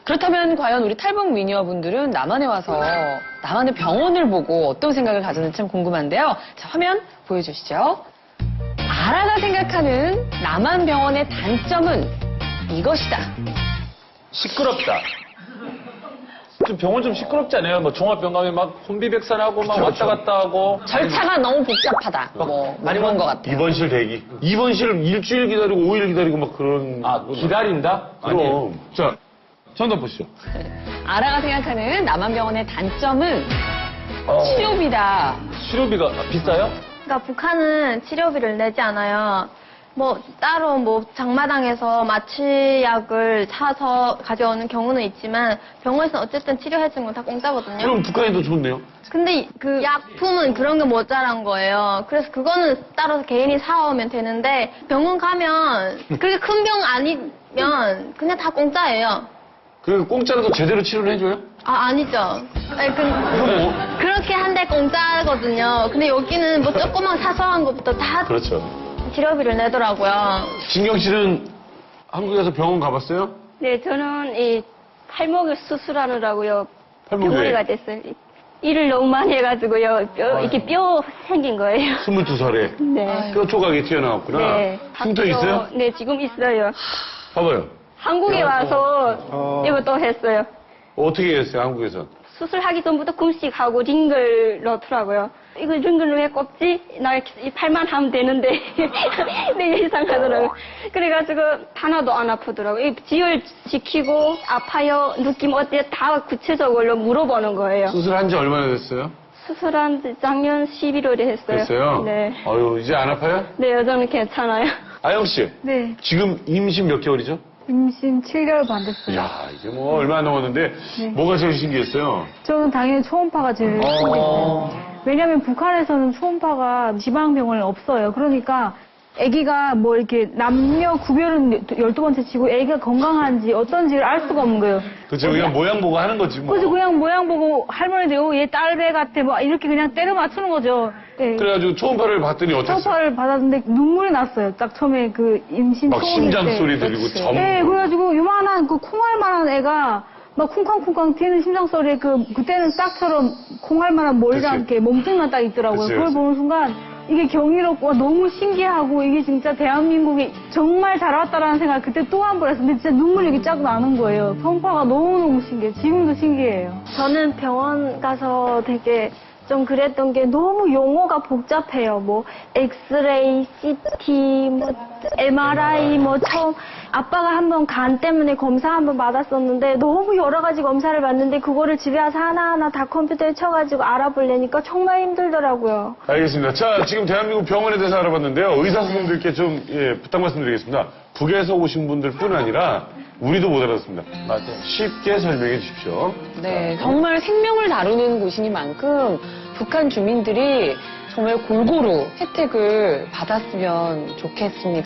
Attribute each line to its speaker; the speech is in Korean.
Speaker 1: 그렇다면 과연 우리 탈북 미녀분들은 남한에 와서 남한의 병원을 보고 어떤 생각을 가졌는지 참 궁금한데요. 자, 화면 보여주시죠. 아라가 생각하는 남한 병원의 단점은 이것이다.
Speaker 2: 시끄럽다. 좀 병원 좀 시끄럽지 않아요? 뭐 종합병 가면 막 혼비백산하고 막 왔다 갔다 하고.
Speaker 1: 절차가 너무 복잡하다. 뭐 많이 본 것 같아요.
Speaker 3: 입원실 대기. 입원실 일주일 기다리고 5일 기다리고 막 그런.
Speaker 2: 아, 기다린다?
Speaker 3: 그럼. 자, 정답 보시죠.
Speaker 1: 아라가 생각하는 남한 병원의 단점은 치료비다.
Speaker 2: 치료비가 비싸요?
Speaker 4: 그러니까 북한은 치료비를 내지 않아요. 뭐 따로 뭐 장마당에서 마취약을 사서 가져오는 경우는 있지만 병원에서는 어쨌든 치료해주는 건 다 공짜거든요.
Speaker 3: 그럼 북한이 더 좋네요.
Speaker 4: 근데 그 약품은 그런 게 모자란 거예요. 그래서 그거는 따로 개인이 사오면 되는데 병원 가면 그렇게 큰 병 아니면 그냥 다 공짜예요.
Speaker 3: 그 공짜라도 제대로 치료를 해줘요?
Speaker 4: 아, 아니죠. 아니, 그렇게 한데 공짜거든요. 근데 여기는 뭐 조그만 사소한 것부터 다
Speaker 3: 그렇죠.
Speaker 4: 치료비를 내더라고요.
Speaker 3: 진경 씨는 한국에서 병원 가봤어요?
Speaker 5: 네, 저는 이 팔목을 수술하느라고요.
Speaker 3: 팔목에?
Speaker 5: 병원에가 됐어요. 일을 너무 많이 해가지고요. 이렇게 뼈 생긴 거예요.
Speaker 3: 22살에.
Speaker 5: 네.
Speaker 3: 뼈 조각이 튀어나왔구나.
Speaker 5: 네.
Speaker 3: 흉터 있어요?
Speaker 5: 네, 지금 있어요.
Speaker 3: 봐봐요.
Speaker 5: 한국에 와서 이것도 했어요.
Speaker 3: 어떻게 했어요, 한국에서?
Speaker 5: 수술하기 전부터 금식하고 링글 넣더라고요. 이거 링글 왜 꼽지? 나 이 팔만 하면 되는데 되게 이상하더라고요. 그래가지고 하나도 안 아프더라고요. 지혈시키고 아파요, 느낌 어때요? 다 구체적으로 물어보는 거예요.
Speaker 3: 수술한 지 얼마나 됐어요?
Speaker 5: 수술한 지 작년 11월에 했어요.
Speaker 3: 됐어요?
Speaker 5: 네.
Speaker 3: 아유, 이제 안 아파요?
Speaker 5: 네, 여전히 괜찮아요.
Speaker 3: 아영 씨.
Speaker 6: 네,
Speaker 3: 지금 임신 몇 개월이죠?
Speaker 6: 임신 7개월 반 됐어요.
Speaker 3: 이야, 이게 뭐 얼마 안 넘었는데 뭐가 제일 신기했어요?
Speaker 6: 저는 당연히 초음파가 제일 신기했어요. 왜냐면 북한에서는 초음파가 지방병원에 없어요. 그러니까 아기가 뭐 이렇게 남녀 구별은 12번째 치고 아기가 건강한지 어떤지를 알 수가 없는 거예요.
Speaker 3: 그치, 그냥 모양 보고 하는 거지 뭐.
Speaker 6: 그래서 그냥 모양 보고 할머니도 얘 딸배 같아 뭐 이렇게 그냥 때려 맞추는 거죠. 네.
Speaker 3: 그래가지고 초음파를 봤더니 어땠어요?
Speaker 6: 초음파를 받았는데 눈물이 났어요. 딱 처음에 그 임신
Speaker 3: 막
Speaker 6: 초음일
Speaker 3: 심장
Speaker 6: 때.
Speaker 3: 소리 들리고 점.
Speaker 6: 네, 그래가지고 요만한 그 콩알만한 애가 막 쿵쾅쿵쾅 튀는 심장 소리에 그때는 딱처럼 콩알만한 머리랑
Speaker 3: 그치.
Speaker 6: 이렇게 몸뚱이만 딱 있더라고요.
Speaker 3: 그치,
Speaker 6: 그걸
Speaker 3: 그치.
Speaker 6: 보는 순간 이게 경이롭고 너무 신기하고 이게 진짜 대한민국이 정말 잘 왔다라는 생각 그때 또 한 번 했어요. 근데 진짜 눈물이 이렇게 쫙 나는 거예요. 초음파가 너무너무 신기해요. 지금도 신기해요.
Speaker 4: 저는 병원 가서 되게 좀 그랬던 게 너무 용어가 복잡해요. 뭐 엑스레이, CT, 뭐 MRI, 뭐 처음 아빠가 한번 간 때문에 검사 한번 받았었는데 너무 여러 가지 검사를 받는데 그거를 집에 와서 하나하나 다 컴퓨터에 쳐가지고 알아보려니까 정말 힘들더라고요.
Speaker 3: 알겠습니다. 자, 지금 대한민국 병원에 대해서 알아봤는데요. 의사 선생님들께 좀 부탁 말씀드리겠습니다. 북에서 오신 분들뿐 아니라 우리도 못 알아듣습니다.
Speaker 2: 맞아요.
Speaker 3: 쉽게 설명해 주십시오.
Speaker 1: 네, 정말 생명을 다루는 곳이니만큼 북한 주민들이 정말 골고루 혜택을 받았으면 좋겠습니다.